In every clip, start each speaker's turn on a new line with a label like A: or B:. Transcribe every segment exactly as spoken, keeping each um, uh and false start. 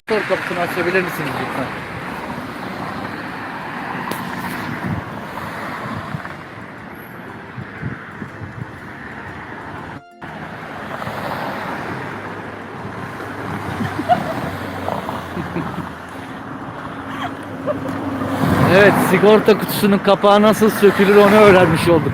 A: Motor kapısını açabilir misiniz lütfen? Evet, sigorta kutusunun kapağı nasıl sökülür onu öğrenmiş olduk.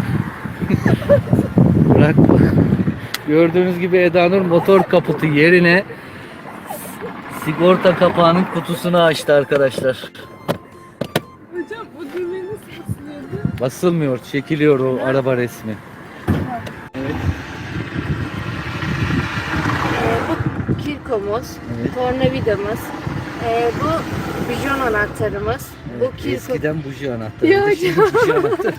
A: Bırak. Gördüğünüz gibi Eda Nur motor kaputu yerine sigorta kapağının kutusunu açtı arkadaşlar.
B: Hocam bu düğme nasıl basılıyordu?
A: Basılmıyor, çekiliyor o araba resmi. Evet.
B: Bu kirkomuz,
A: Evet.
B: tornavidamız, ee, bu bijon anahtarımız,
A: Evet,
B: bu kirko,
A: eskiden buji anahtarı.
B: Ya
A: Şimdi
B: hocam.
A: buji anahtarı.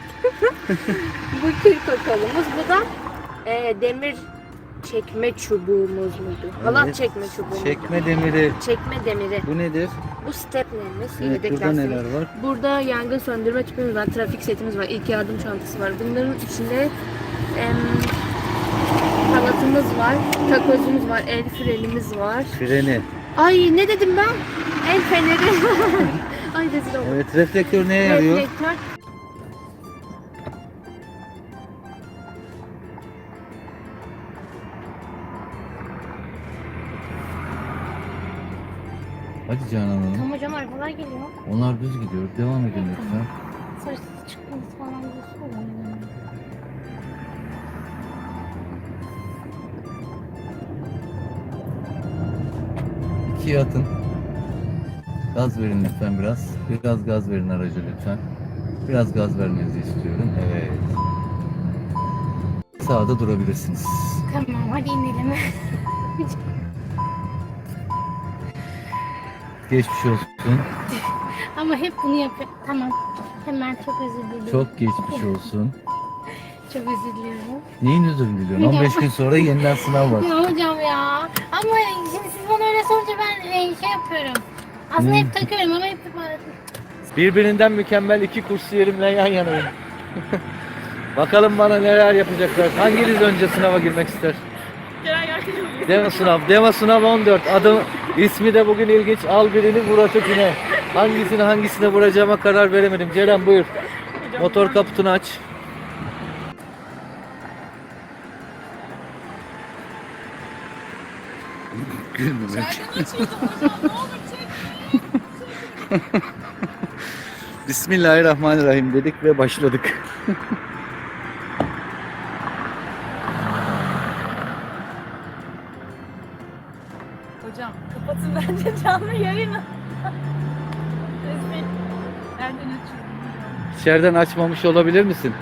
B: bu kirko kolumuz, bu da ee, demir çekme çubuğumuz muydu? Halat
A: Evet.
B: çekme çubuğumuz.
A: Çekme demiri.
B: Çekme demiri.
A: Bu nedir?
B: Bu steplerimiz,
A: Evet,
B: yedek
A: burada
B: lastiğimiz.
A: neler var?
B: Burada yangın söndürme tüpümüz var, trafik setimiz var, ilk yardım çantası var. Bunların içinde em, halatımız var, takozumuz var, el frenimiz var.
A: Freni.
B: Ay ne dedim ben? El feneri. Ay rezil oldum.
A: Evet, reflektör neye yarıyor?
B: Reflektör.
A: Hadi Canan Hanım.
C: Tamam hocam arabalar geliyor.
A: Onlar düz gidiyor. Devam edin lütfen.
C: Sarısı çıkması falan diyorsun ya.
A: İkiye atın. Gaz verin lütfen biraz. Biraz gaz verin araca lütfen. Biraz gaz vermenizi istiyorum. Evet. Sağda durabilirsiniz.
C: Tamam hadi inelim.
A: Geçmiş olsun.
C: Ama hep bunu yapıyor. Tamam. Hemen çok özür dilerim.
A: Çok geçmiş olsun.
C: Çok özür diliyorum.
A: Neyin özür diliyorsun? on beş gün sonra yeniden sınav var.
C: Ya hocam ya. Ama şimdi siz bana öyle sorunca ben e, şey yapıyorum. Aslında
A: Ne?
C: hep takıyorum ama hep
A: Birbirinden mükemmel iki kursiyerimle yan yanayım. Bakalım bana neler yapacaklar. Hanginiz önce sınava girmek ister? Deva sınav. Deva sınav on dört. Adı, ismi de bugün ilginç. Al birini vur ötekine. Hangisini hangisine vuracağıma karar veremedim. Ceren buyur. Motor kaputunu aç. Gülmemek. Bismillahirrahmanirrahim dedik ve başladık.
D: Hocam kapatın bence canlı yayını. Resmi. Nereden açıyorum?
A: İçeriden açmamış olabilir misin?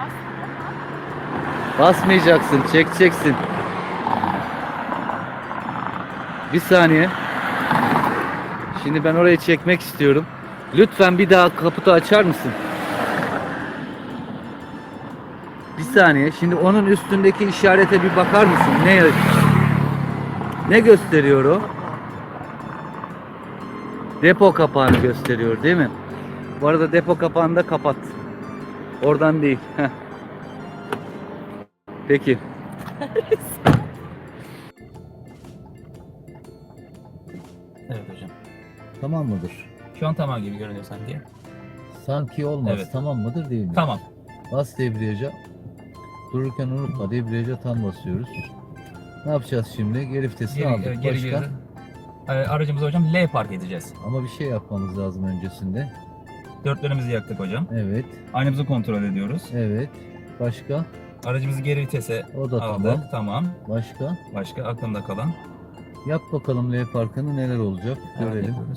A: Basmayacaksın, çekeceksin. Bir saniye. Şimdi ben orayı çekmek istiyorum. Lütfen bir daha kaputu açar mısın? Bir saniye. Şimdi onun üstündeki işarete bir bakar mısın? Ne ne gösteriyor o? Depo kapağını gösteriyor, değil mi? Bu arada depo kapağını da kapat. Oradan değil. Heh. Peki.
E: Evet hocam.
A: Tamam mıdır?
E: Şu an tamam gibi görünüyor sanki.
A: Sanki olmaz.
E: Evet.
A: Tamam mıdır değil mi?
E: Tamam.
A: Bas debriyaja. Dururken unutma, debriyaja tam basıyoruz. Ne yapacağız şimdi? Geri vitesini
E: Geri,
A: aldık.
E: e, geri
A: Başka?
E: geri. Ee, aracımızı hocam L park edeceğiz.
A: Ama bir şey yapmamız lazım öncesinde.
E: Dörtlerimizi yaktık hocam.
A: Evet.
E: Aynamızı kontrol ediyoruz.
A: Evet. Başka?
E: Aracımızı geri vitese
A: O da
E: aldık.
A: tamam.
E: Tamam.
A: Başka?
E: Başka aklımda kalan.
A: Yap bakalım L parkını neler olacak.
E: Evet,
A: Görelim.
E: yapıyoruz.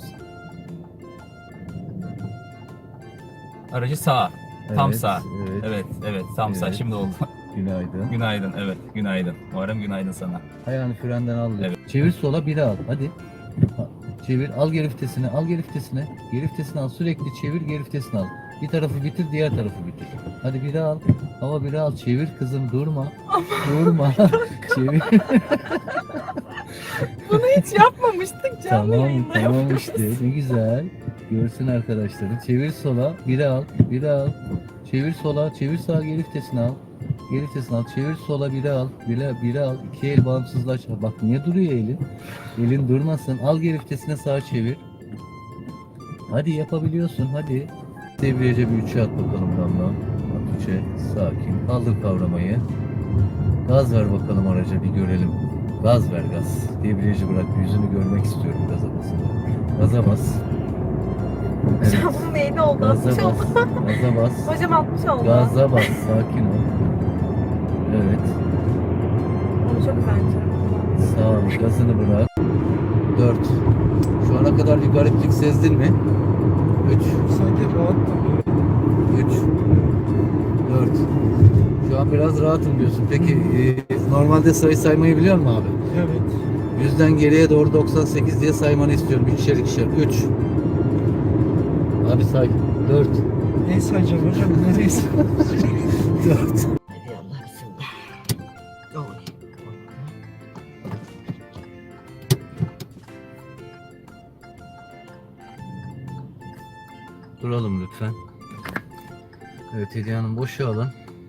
E: Aracı sağa. Tam
A: Evet,
E: sağ.
A: Evet.
E: Evet, evet. Tam sağ.
A: Evet.
E: Şimdi oldu.
A: Günaydın.
E: Günaydın. Evet, günaydın. Muharrem günaydın sana.
A: Ayağını frenden al.
E: Evet.
A: Çevir sola biri al. Hadi. Ha, çevir. Al geri vitesini. Al geri vitesini. Geri vitesini al. Sürekli çevir geri vitesini al. Bir tarafı bitir, diğer tarafı bitir. Hadi biri al. Hava biri al. Çevir kızım. Durma. Durma. Çevir.
D: Bunu hiç yapmamıştık canlı
A: Tamam,
D: yayında
A: tamam
D: yapıyoruz.
A: işte. Ne güzel. Görsün arkadaşları. Çevir sola. Biri al. Biri al. Çevir sola. Çevir sağa geri vitesini al. Geri vitesini al. Çevir sola bire al. Bire, bire al. İki el bağımsızlaş. Bak niye duruyor elin? Elin durmasın. Al geri vitesine sağa çevir. Hadi yapabiliyorsun hadi. Debriyaja bir üçe at bakalım Damla. At üçe. Sakin. Kaldır kavramayı. Gaz ver bakalım araca bir görelim. Gaz ver gaz. Debriyajı bırak. Yüzünü görmek istiyorum gaza basın. Gaza bas. Evet.
D: Hocam bunun neydi oldu?
A: Gaza
D: altmış
A: bas.
D: oldu.
A: Gaza bas.
D: Hocam altmış oldu.
A: Gaza bas. Sakin ol. Evet.
D: Onu çok güzel yapacağım.
A: Sağ ol. Gazını bırak. Dört. Şu ana kadar bir gariplik sezdin mi? Üç.
F: Sanki rahattım.
A: Üç. Dört. Şu an biraz rahatım diyorsun. Peki e, normalde sayı saymayı biliyor musun abi?
F: Evet.
A: Yüzden geriye doğru doksan sekiz diye saymanı istiyorum. İkişer ikişer. Üç. Abi say. Dört.
F: Ne sayacağım hocam? Neresi?
A: Dört.
G: Hadi Allah bismillah. Oy.
A: Duralım lütfen. Evet Hediye Hanım boşa alın.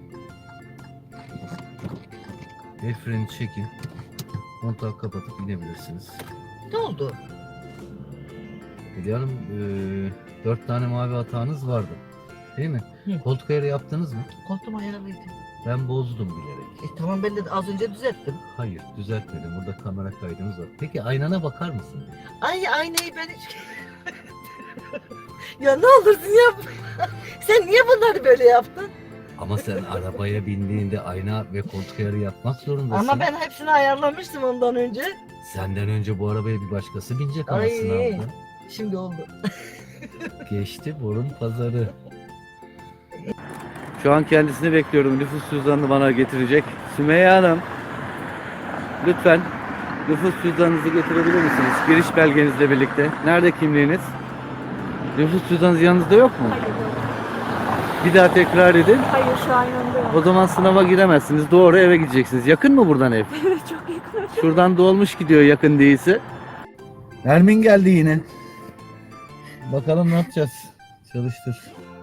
A: El freni çekin. Kontağı kapatıp inebilirsiniz.
G: Ne oldu?
A: Hediye Hanım eee, dört tane mavi hatanız vardı. Değil mi?
G: Hı.
A: Koltuk ayarı yaptınız mı?
G: Koltuğum ayarlıydı.
A: Ben bozdum bilerek.
G: E tamam ben de az önce düzelttim.
A: Hayır düzeltmedim. Burada kamera kaydımız var. Peki aynana bakar mısın?
G: Ay aynayı ben hiç... ya ne olursun yap. Sen niye bunları böyle yaptın?
A: Ama sen arabaya bindiğinde ayna ve koltuk ayarı yapmak zorundasın.
G: Ama ben hepsini ayarlamıştım ondan önce.
A: Senden önce bu arabaya bir başkası binecek ama
G: Ay.
A: sınavda.
G: Şimdi oldu.
A: Geçti borun pazarı. Şu an kendisini bekliyorum. Nüfus cüzdanını bana getirecek. Sümeyye Hanım. Lütfen nüfus cüzdanınızı getirebilir misiniz? Giriş belgenizle birlikte. Nerede kimliğiniz? Nüfus cüzdanınız yanınızda yok mu?
D: Hayır yok.
A: Bir daha tekrar edin.
D: Hayır şu an yanında yok.
A: O zaman sınava giremezsiniz. Doğru eve gideceksiniz. Yakın mı buradan ev?
D: Evet çok yakın.
A: Şuradan dolmuş gidiyor yakın değilse. Nermin geldi yine. Bakalım ne yapacağız? Çalıştır.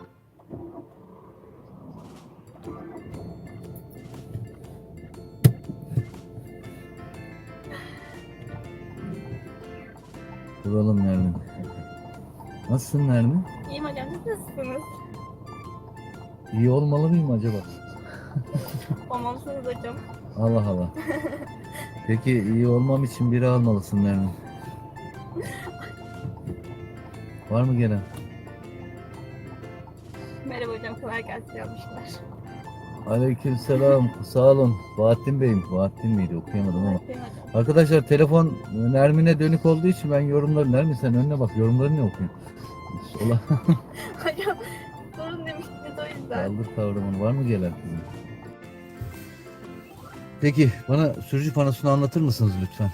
A: Duralım Nermin. Nasılsın Nermin?
D: İyiyim hocam siz nasılsınız?
A: İyi olmalı mıyım acaba?
D: Olmamışsınız hocam.
A: Allah Allah. Peki iyi olmam için biri almalısın Nermin. Var mı gelen?
D: Merhaba hocam kolay gelsin yapmışlar.
A: Aleykümselam. Sağ olun. Bahattin Bey'im. Bahattin miydi? Okuyamadım ama.
D: Değil mi hocam?
A: Arkadaşlar telefon Nermin'e dönük olduğu için ben yorumları... Nermin sen önüne bak. Yorumları ne okuyorsun? Sola.
D: Hocam sorun demiştiniz o yüzden.
A: Kaldır kavramını. Var mı gelen kızım? Peki bana sürücü panosunu anlatır mısınız lütfen?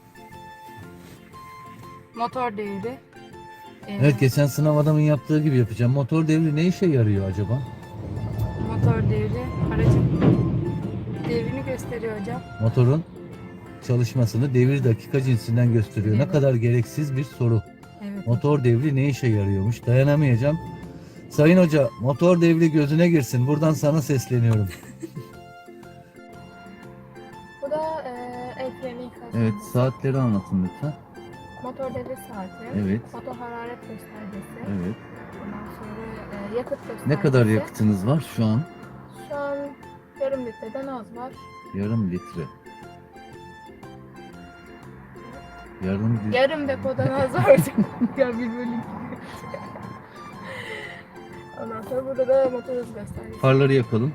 B: Motor devri. Ee,
A: Evet geçen sınav adamın yaptığı gibi yapacağım. Motor devri ne işe yarıyor acaba?
B: Motor devri aracın devrini gösteriyor hocam.
A: Motorun çalışmasını devir dakika cinsinden gösteriyor. Ne
B: Evet.
A: kadar gereksiz bir soru.
B: Evet.
A: Motor devri ne işe yarıyormuş? Dayanamayacağım. Sayın Hoca, motor devri gözüne girsin. Buradan sana sesleniyorum.
D: Bu da e, el freni ikazı.
A: Evet, saatleri anlatın lütfen.
D: Motor devre saati.
A: Evet.
D: Motor hararet göstergesi.
A: Evet.
D: Ondan sonra e, yakıt göstergesi.
A: Ne kadar yakıtınız var şu an?
D: Şu an yarım litreden az var.
A: Yarım litre. Yarım litre.
D: Yarım depodan az var. Ya bir bölüm. Ondan sonra burada da motor hız göstergesi.
A: Farları yakalım.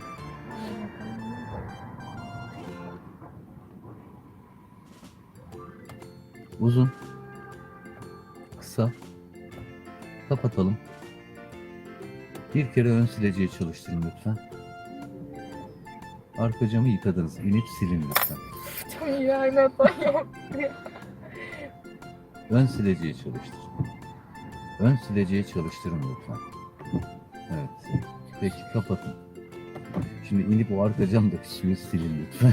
A: Uzun. Kısa. Kapatalım. Bir kere ön sileceği çalıştırın lütfen. Arka camı yıkadınız. İnip silin lütfen.
D: Çok iyi aynı hata yok.
A: Ön sileceği çalıştır. Ön sileceği çalıştırın lütfen. Evet. Peki kapatın. Şimdi inip o arka camdaki suyu silin lütfen.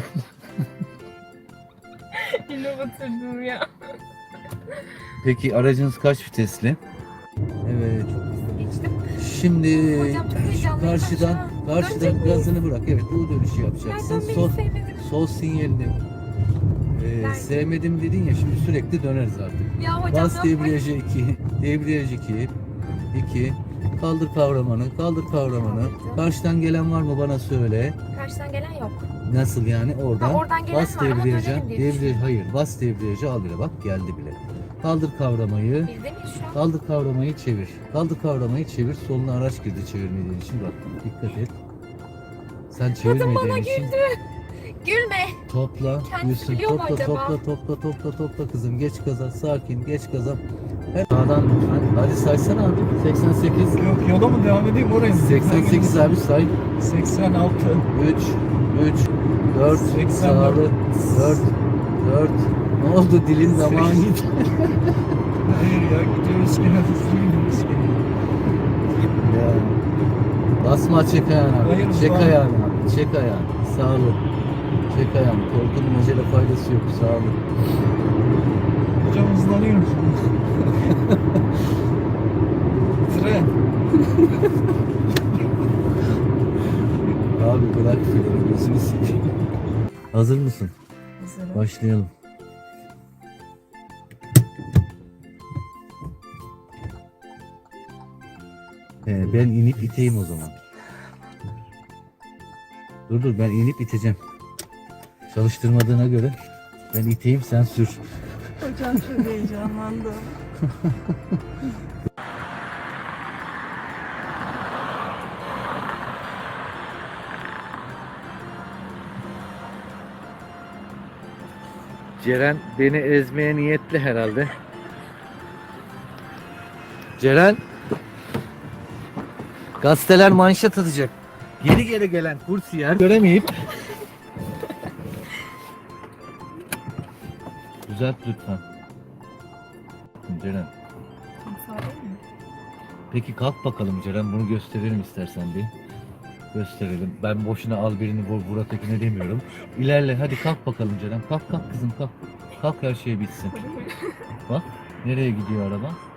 D: Yine batırdım ya.
A: Peki aracınız kaç vitesli? Evet.
D: Geçtim.
A: Şimdi
D: Hocam çok
A: şu
D: heyecanlıyım ben şu
A: karşıdan
D: an.
A: Karşıdan
D: Dönecek miyiz?
A: gazını bırak. Evet, U dönüşü yapacaksın.
D: Nereden
A: Sol,
D: beni sevmedin?
A: sol sinyalini e,
D: Nerede?
A: sevmedim dedin ya, şimdi sürekli döneriz artık.
D: Ya hocam
A: Bas
D: yapmayın.
A: debriyajı iki, debriyaj iki, iki. Kaldır kavramanı, kaldır kavramanı. Karşıdan gelen var mı bana söyle.
D: Karşıdan gelen yok.
A: Nasıl yani oradan?
D: Ha, oradan gelen
A: Bas
D: var ama
A: debriyaja,
D: dönelim diye
A: debriyaj,
D: düşünüyorum.
A: hayır bas debriyajı al bile, bak geldi bile. Kaldır kavramayı,
D: Bizde miyiz şu an?
A: kaldır kavramayı çevir. Kaldır kavramayı çevir, soluna araç girdi çevirmediğin için, bak dikkat et. Sen çevirmediğin için
D: Gülme.
A: topla,
D: Kendisi
A: Yusuf
D: biliyor mu
A: topla,
D: acaba?
A: topla topla topla topla kızım, geç gaza, sakin geç gaza. Her sağdan lütfen. Hadi saysana abi. seksen sekiz.
F: Yok yola mı devam edeyim oraya mı?
A: seksen sekiz abi say.
F: seksen altı.
A: üç, üç, dört,
F: seksen
A: sağlı,
F: dört.
A: dört, dört. Ne oldu dilin damağın gitti?
F: Hayır ya gidiyoruz gene hızlı gidiyoruz gene.
A: Ya. Basma, çek ayağını abi.
F: Hayır,
A: çek
F: şu an-
A: ayağını abi. Çek ayağını. Sağlı. Çek ayağını. Korkunun acele faydası yok. Sağlı.
F: Hocam hızlanıyorum. Tren.
A: Abi bırak filmi. Gözünü seveyim. Hazır mısın?
D: Hazırım.
A: Başlayalım. Ee, ben inip iteyim o zaman. Dur dur, ben inip iteceğim. Çalıştırmadığına göre ben iteyim, sen sür.
D: Hocam çok heyecanlandım.
A: Ceren beni ezmeye niyetli herhalde. Ceren, gazeteler manşet atacak. Geri geri gelen kursiyer göremeyip düzelt lütfen. Ceren. Peki kalk bakalım Ceren, bunu gösterelim istersen bir. Gösterelim. Ben boşuna al birini vur, vur ötekine demiyorum. İlerle, hadi kalk bakalım Ceren. Kalk kalk kızım kalk. Kalk, her şey bitsin. Bak nereye gidiyor araba?